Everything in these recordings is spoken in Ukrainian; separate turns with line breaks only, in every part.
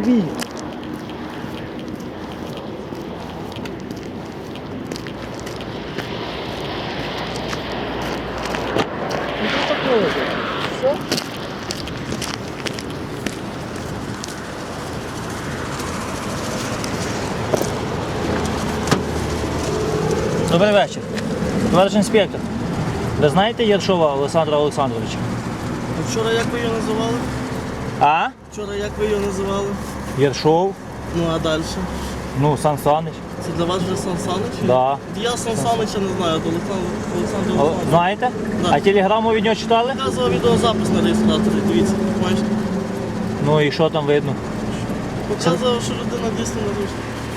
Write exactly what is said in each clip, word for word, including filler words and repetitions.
тобі. Що такое? Що? Добрий вечір. Товариш інспектор, ви знаєте Єршова Олександра Олександровича?
Вчора як ви його називали?
А?
Вчора як ви його називали?
Єршов?
Ну а далі?
Ну, Сан Санич.
Це для вас вже Сан Санич?
Да.
Я Сан Санича не знаю, то Олександр Олександр
О,
Олександрович.
знаєте?
Да.
А телеграму від нього читали?
Показував відеозапис на реєстраторі, дивіться, бачите?
Ну і що там видно?
Показував, що людина дійсно нарушила.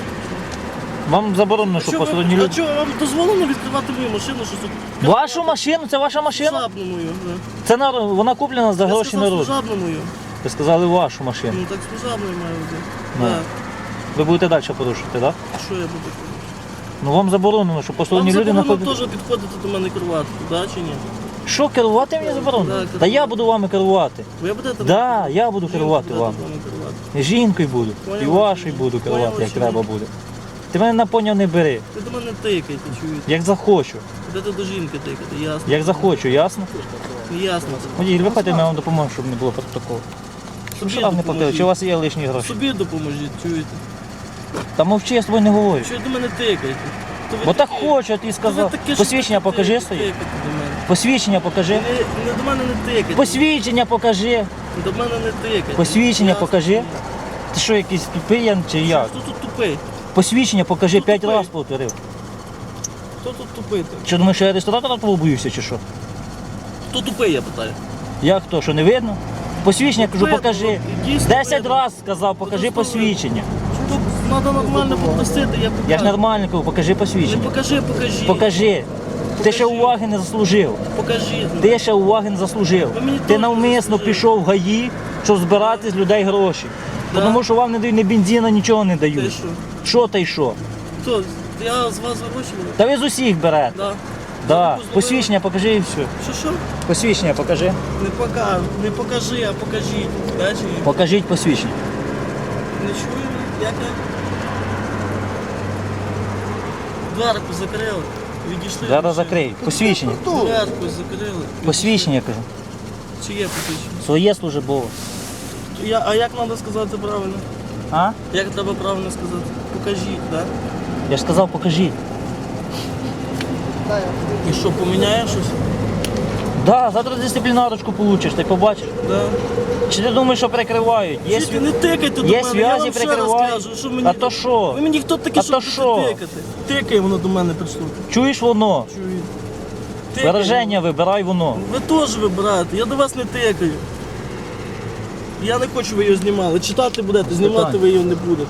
Вам заборонено,
А
що
чого
посторонні
ви- А
люди.
чого вам дозволено відкривати мою машину? Що тут?
Вашу машину? Це ваша машина?
Служебну мою. да.
Це нар- вона куплена за
Я
гроші
сказав
народу.
служебну мою.
Ви сказали вашу машину.
Ну так служебною маю бути.
Ну.
Так.
Ви будете далі порушувати, так? Да?
А що я буду робити?
Ну вам заборонено, що
Вам
посторонні люди
заборонено
знаходять.
теж підходити до мене керувати, да чи ні?
Що, керувати мені заборонено?
Так,
Та я буду вами керувати.
Ви будете?
Да, я буду керувати
Жінку
вами.
будете керувати.
І жінкою буду, і
Поняв,
вашою
чи
буду
ні?
керувати,
Поняв,
як
чи
треба
ні?
буде. Ти мене на поняв не бери,
Ви до мене тикайте, чуєте?
як захочу,
Будете до жінки тикати, ясно.
як захочу, ясно?
Ясно це.
Водій, виходьте, ми вам допоможемо, щоб не було протоколу. Щоб
Собі
штраф не платили,
допоможіть.
чи у вас є лишні гроші?
Собі допоможіть, чуєте?
Та мовчи, я з тобою не говорю.
Що ви до мене тикаєте? То ви
Бо так
такі-
хочу, я тобі
то ви
сказав.
таке, що
Посвідчення
таке
покажи
тикаєте,
своє.
тикаєте до мене.
Посвідчення покажи.
Не, не до мене не тикайте.
Посвідчення покажи.
До мене не тикайте.
Посвідчення
Ясно,
покажи.
чи ні?
Ти що, якийсь тупий я, чи як?
Хто тут тупий?
Посвідчення покажи,
Хто
п'ять
тупий?
разів повторив.
Хто тут тупий? то?
Що думаєш, що я ресторатора твого боюся, чи що?
Хто тупий, я питаю?
Як то, що не видно? Посвідчення кажу,
Видно,
покажи.
ну, дійсно
Десять
видно.
разів сказав, покажи
Просто
посвідчення.
Тут треба нормально попросити, я покажу.
Я ж нормально кажу, покажи
Не
посвідчення.
покажи, покажи.
Покажи. Ти ще
Покажи.
уваги не заслужив.
Покажи. ну.
Ти ще уваги не заслужив.
Ви мені
Ти
теж не
навмисно
заслужили.
пішов в ГАІ, щоб збирати з людей гроші.
Да.
Тому що вам не дають ні бензина, нічого не
Ти
дають.
що?
Що та й що?
Хто? Я з вас гроші беру?
Та ви з усіх берете.
Да.
Да.
Здорово.
Посвідчення покажи і все.
Що що?
Посвідчення покажи.
Не пока, не покажи, а покажіть. Да, чи ні?
Покажіть посвідчення.
Не чую, як я? Дверку закрили. Відійшли.
Зараз закрий. Посвідчення.
Дверку закрили.
Посвідчення кажу.
Чи є посвідчення?
Своє службове.
Я, а як треба сказати правильно?
А?
Як треба правильно сказати? Покажіть, так? Да?
Я ж сказав, покажіть.
І що, поміняє щось?
Да, завтра дисциплінарочку получиш, ти побачиш.
Да.
Чи ти думаєш, що прикривають? Є,
Чуєте,
сві...
не тикайте до
Є
мене, я
зв'язі,
вам ще раз
прикривають.
кажу, що мені...
А то що?
Ви мені хто такі,
А
що
то
будете
що?
тикати? Тикає воно до мене прийшло.
Чуєш воно?
Чуєте? Тикає.
Вираження вибирай воно.
Ви теж вибираєте, я до вас не тикаю. Я не хочу, ви його знімали. Читати будете, знімати
Питань.
ви його не будете.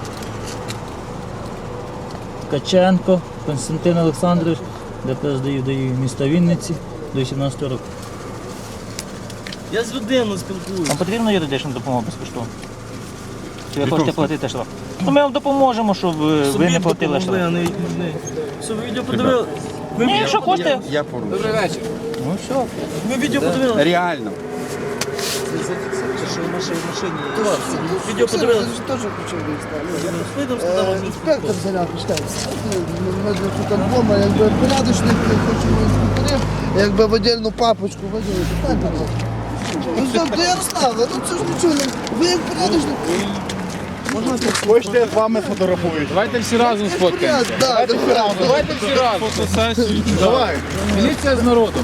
Ткаченко Константин Олександрович, ДПС даю даю міста Вінниці до вісімнадцятого року.
Я з людиною спілкуюся.
Вам потрібна юридична допомога безкоштовно? Чи ви хочете платити штраф? Ну ми вам допоможемо, щоб е, ви не платили
допомогли, а
штраф.
не, не. Все, ви відео подивили? Ви
Ні,
відео
якщо хочете.
Я порушив.
Добрий вечір.
Ну все.
Ви відео подивили?
Реально.
Відео подивили?
Теж почав виїзд.
Вийдемо, сказали, що
Інспектор зарядку читає. Ми тут альбома, якби порядочник, хочу інспекторів, якби в отдельну папочку виділити. Ну все, до Ярослава, ну це ж нічого не... Ви як порядочник...
Хочете, я з вами фотографую?
Давайте всі разом сфоткаємося. Да, да, Давайте всі разом.
Давай.
Міліція з народом.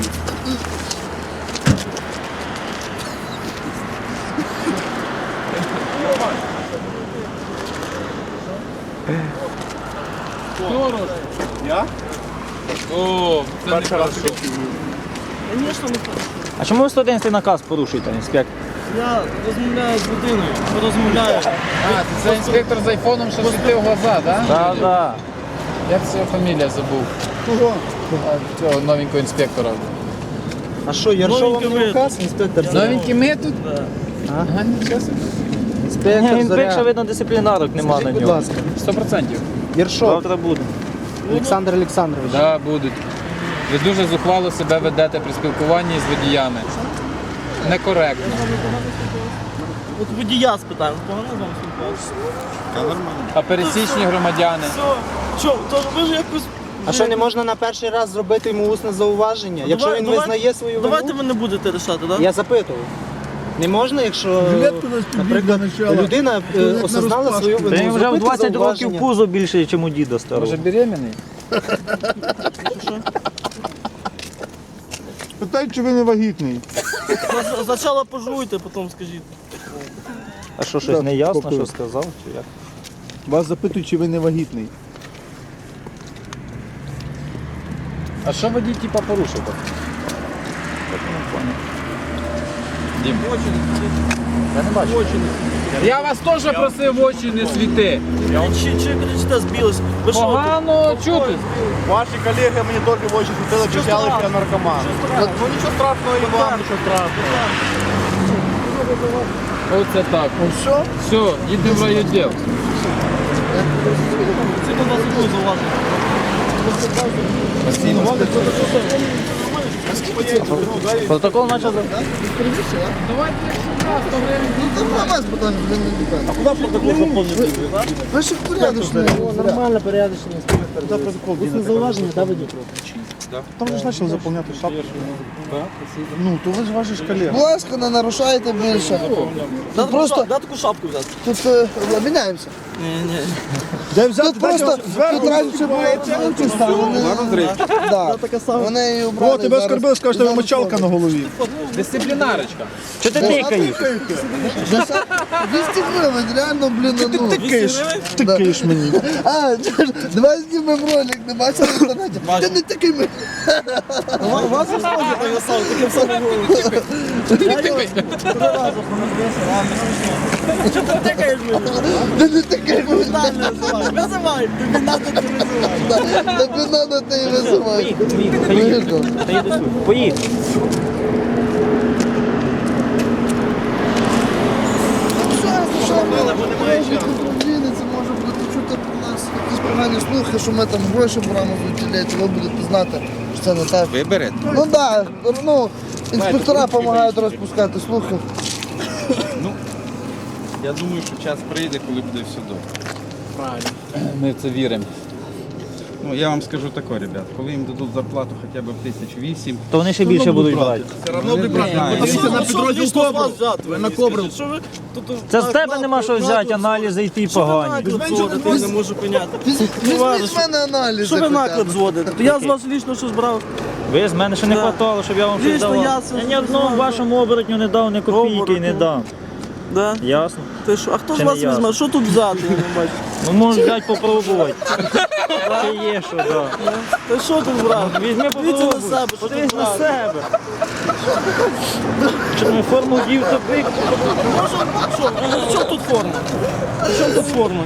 Я?
О, це не
Перший раз
хорошо.
таке чую.
Звісно, не хочу.
А чому ви сто одинадцятий наказ порушуєте, інспектор?
Я розмовляю з людиною, розмовляю.
А, це інспектор з айфоном, що світив глаза, так?
Так, так.
Як це його фамілія забув?
Кого?
А, цього новенького інспектора.
А що, Яршов вам не указ, інспектор?
Новенький ми тут?
Да.
Ага, нічого собі.
Ні,
Інспектор
він пише,
Заря.
видно, дисциплінарок нема
Скажіть,
на
будь
нього.
ласка.
Сто процентів.
Яршов
Завтра буде.
Олександр Олександрович.
Так, будуть. Ви дуже зухвало себе ведете при спілкуванні з водіями. Некоректно.
от водія спитаємо, погано з вами спілкуватися.
Та нормально.
А пересічні громадяни.
Все, що, то ви ж якось...
А що, не можна на перший раз зробити йому усне зауваження? Якщо
Давай-
він
давай-
визнає свою
Давайте
вину?
ви не будете рішати, так?
Я запитував. Не можна, якщо,
Жилетку на спині
наприклад,
для начала.
людина е,
Як на
осознала
розпашку.
свою
Та
вину,
він вже в
зробити
двадцять років
зауваження.
пузо більше, ніж у діда старого.
Може беременний?
Питають, чи ви не вагітний.
Спочатку пожуйте, потім скажіть.
А що, щось не ясно,
попив.
що сказав? Чи як?
Вас запитують, чи ви не вагітний.
А що водій типа порушив? Дім. Я не бачу. Я вас теж просив в очі не світи.
Чи, чи кричите, збілись? Ви що?
Погано чути.
Ваші колеги мені теж в очі світили, кричали, що я наркоман. Ну нічого страшного і вам, нічого страшного.
Оце так.
Що?
Все, їдемо в райвідділ.
Це до вас буде зауваження.
Протокол почав.
Давайте сто гривень.
Ну там на вас питання, ви не питання.
Куди протокол заповнити?
Ви ж порядочні.
Нормально, порядочно.
Усне зауваження, да, водій? Там вже ж почали заповняти шапку. Ну, то ви ж ваші ж колеги.
Будь ласка, не нарушайте більше.
Дай
Тут просто,
дай таку шапку взяти.
тут е, обміняємося.
Ні, ні.
Де взяти?
Тут просто, тут раніше було зверху ставили. Да. Вони її убрали.
О, тебе
зараз-
оскорбили, скажуть, що тебе
зараз
мочалка на голові.
Дисциплінарочка.
Що ти тикаєш?
Десять- двісті гривень, реально, блін, на ну.
Тикаєш, тикаєш мені.
А, давай знімемо ролик, не бачили в інтернеті? Ти не такий ми.
У вас і схоже таке саме, таке саме голову. Що ти тикаєш мені?
Ти не такий ми.
Віталій називай. Визивай, тобі надо ти визивай.
Тобі надо ти і визивай.
Поїхали, поїхали. Та їду сюди. Поїхали.
Що, що ми? Це може бути чути про нас якісь погані слухи, що ми там гроші беремо з утілеті, ви будете знати, що це не так.
Виберете?
Ну так, ну, інспектора допомагають розпускати слухи.
Я думаю, що час прийде, коли буде все добре.
Ми в це віримо.
Ну, я вам скажу таке, ребят, коли їм дадуть зарплату хоча б в тисяч вісім,
То вони ще більше будуть брати.
Все одно ти брати.
знаю.
Подивіться на
Що
підрозділ
лічно з вас
Кобру.
взяти?
Ви на Кобру.
Що ви тут...
Це з тебе нема що взяти, аналізи і ті погані.
Наклеп зводите, я не можу поняти.
Візьміть з мене аналізи.
Що ви
хоча б.
наклеп зводите? То я з вас лічно щось брав.
Ви з мене ще не
Да.
хватало, щоб я вам щось
Лічно
давав.
я це
Я ні одному
знаю.
вашому оборотню не дав, ні копійки і не
Оборотню.
дам.
Да?
Ясно?
Ти що? А хто з
Чи
вас
не я?
візьме? Що тут взяти? Я не бачу.
Ну можеш взяти попробувати. Чи є що, так.
Та що тут брати?
Візьми
Дивіться на
попробуй.
себе, що
Подивись
тут
на
брати.
себе. Що ми форму вдів, то бик.
Що? При чому тут форма? При чому тут форма?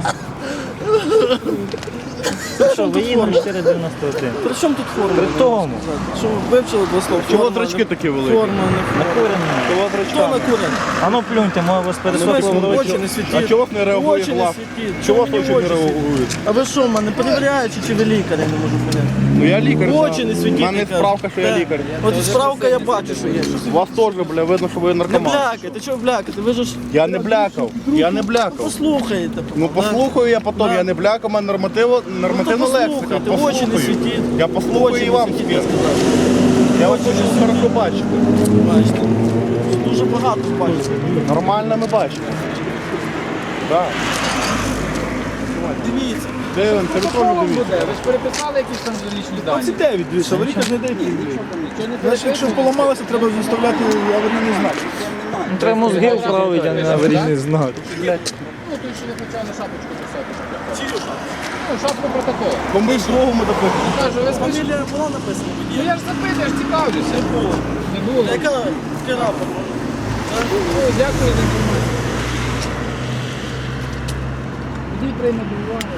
Що, воїнний чотири дев'яносто один.
При чому тут форма?
При тому.
Що ви вивчили два слова?
Чого
Форма,
зрачки
не-
такі великі?
Форма, не форма. Хто накурений?
А ну плюньте, може вас
Дивись,
пересохло.
очі не світіть.
А чого не реагує
Очі не
глав?
світіть.
Чого
мені
очі
в
не реагують?
А ви що, мене перевіряючи, чи ви лікар, я не можу поняти.
Ну я лікар.
Очі не світіть.
У мене
кажуть.
справка, що я
Так.
лікар.
От і справка я бачу, що є.
У вас теж, бля, видно, що ви
Не
наркоман.
блякайте, чого блякати? Ви ж
Я не блякав. Я не блякав.
послухаєте.
Ну послухаю я потім,
Да.
я не блякав, у мене нормативо, нормативна
Ну, то
лексика.
послухайте, очі не світіть.
Я послухаю
Очі
і
не
вам
світіть,
світ.
я сказав.
Я вас хочу широко бачити.
Бачите. Тут дуже багато бачите.
Нормально ми бачимо. Так.
Дивіться.
Дивимося, ви теж дивіться.
Ви ж переписали якісь там лічні дані?
дев'ять, дивіться, аварійка ж не дев'ять. Значить, якщо поламалося, треба заставляти аварійний знак.
Ну, треба мозги вправити, а не аварійний знак.
Ну, то ще не почав на шапочку писати. Ну, шапку протоколу.
Бо ми ж другому допомогли.
Кажу, ви скажіть.
Фамілія була написана?
Ну я ж запитую, я ж цікавлюся. Не було. Не було.
Яка рапорт?
Ну, дякую за інформацію. Водій прийме до уваги.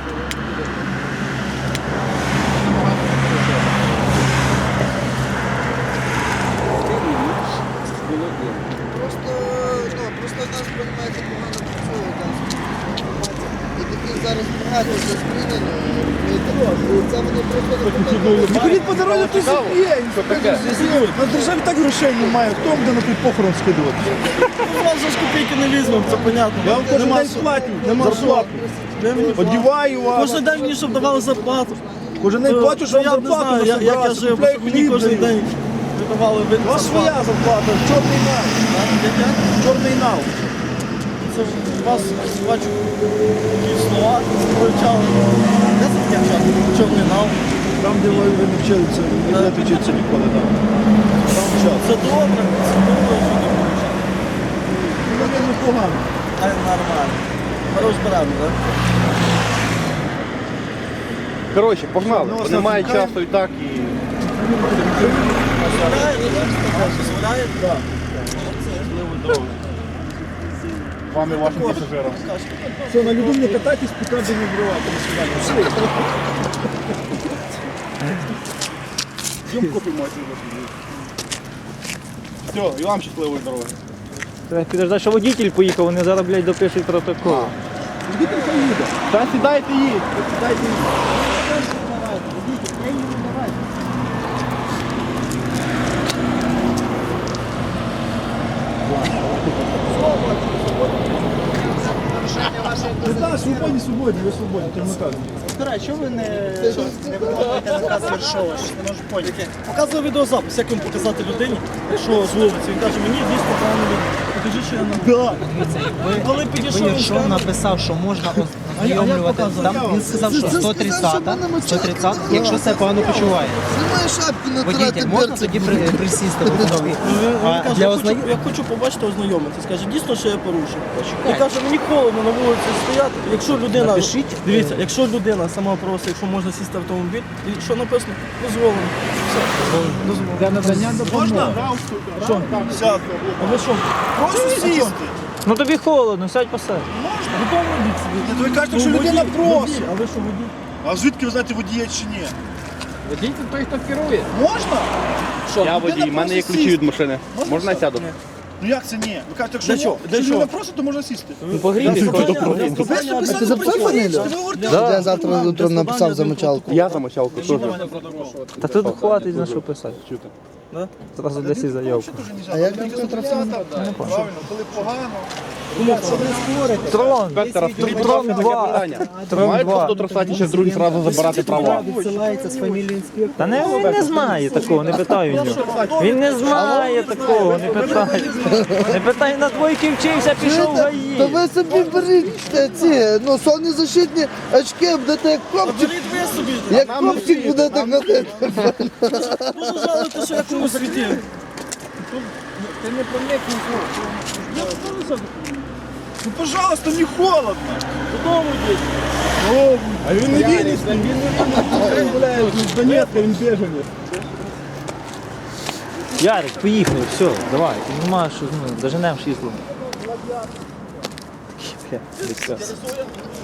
Просто, ну, просто нас приймається погано працює. там. І таких зараз багато за змінено. Це вони
Не ходіть по дорозі, ти зупинь. На державі так грошей немає. Хто вам буде на той похорон скидувати?
Ну, у вас же ж копійки не візьмемо, це понятно.
Я вам кожен
Нема
день
що.
платю,
Нема
зарплату.
Де мені платити?
Одіваю вас.
Кожен день мені, щоб давали зарплату.
Кожен день
То-
плачу,
то
що вам
я не
зарплату
знаю, я- як я жив,
купляю
бо мені
хліб
кожен
даю.
день видавали вид
У вас
зарплату.
своя зарплата, чорний нал.
Як я?
Чорний нал.
Це ж у вас, бачу, такі слова вивчали. Де це таке вчати? Чорний нал.
Там, де ви не вчилися, не будете вчитися ніколи. Там Там час.
Це добре, це добре, що ти вивчав.
Ну, це непогано.
А нормально. Ми розберемо, так?
Коротше, погнали,
Ну,
бо немає
слухай,
часу і так і.
Дозволяє, так? Дозволяє? Так.
Вам і вашим пасажирам. Все, на льоду не катайтесь, поки не вбивати. До свидання. Йдемо купимо Все, і вам щасливої дороги.
Треба підождати, що водитель поїхав, вони зараз, блядь, допишуть протокол.
Водитель поїде.
Та сідайте їдь!
Сідайте їдь. Так, свободні, свободні, ви свободні, то не так.
Старай, чого ви не, не виконуєте наказ Вершова? Що не можу поняти.
Показує відеозапис, як йому показати людині, що з вулиці. Він каже, мені дійсно погано видно. Покажи, що я на... Да. Коли підійшов, він
Вершов
сказав,
написав, що можна ознайомлювати. Там він сказав, що сто тридцята, сто тридцята, якщо себе погано почуває.
Знімай шапку на
Водитель,
трати
можна тоді при- присісти в нові?
він
А
каже,
для
я, хочу,
ознайомлення?
я хочу побачити, ознайомитися. Скаже, дійсно, що я порушив. Він каже, мені холодно на вулиці стояти. Якщо людина,
Напишіть.
дивіться, якщо людина сама просить, якщо можна сісти в автомобіль, і що написано, дозволено. Все, дозволено.
Для надання
Можна? Що? Сяду.
А ви що?
Просто сісти.
Ну тобі холодно, сядь посадь.
Готові робити собі?
Ви кажете, що
Ну,
людина
водій,
просить.
водій, А ви що, водій?
А звідки ви знаєте, водія чи ні?
Водій це той, хто керує.
Можна?
Я водій, в мене є ключі від машини. Можна я сяду?
Ну як це ні? Ви кажете, якщо
Для чого? Для
якщо
чого?
людина просить, то можна сісти.
Ну погрібі.
А ти записав фамілію? Я завтра утром написав за мочалку.
Я за мочалку теж.
Та тут хватить на що писати.
Да?
Зразу для всіх заявку.
А як він тут
Правильно, коли погано.
Трон,
Спектора,
Трон два. Трон
мають
два.
хто трасаті, ще другий зразу забирати права.
Відсилається з фамілії інспектора.
Та не, він не знає такого, не питай у нього. Він не знає такого, не питай. Не питай, на двойки вчився, пішов в
Та
гаї.
ви собі беріть е, ці, ну, соннезащитні очки, будете як хлопчик,
Беріть ви собі.
як хлопчик будете ходити.
Дуже жалуєте, що я комусь світив.
Ну, пожалуйста, не холодно.
Додому йдіть.
А він не вінницький, він не вінницький. Він, блядь, з Донецька, він біженець.
Ярик, поїхали, все, давай. Ти немає, що ну, доженемо шісло. Бля, десь.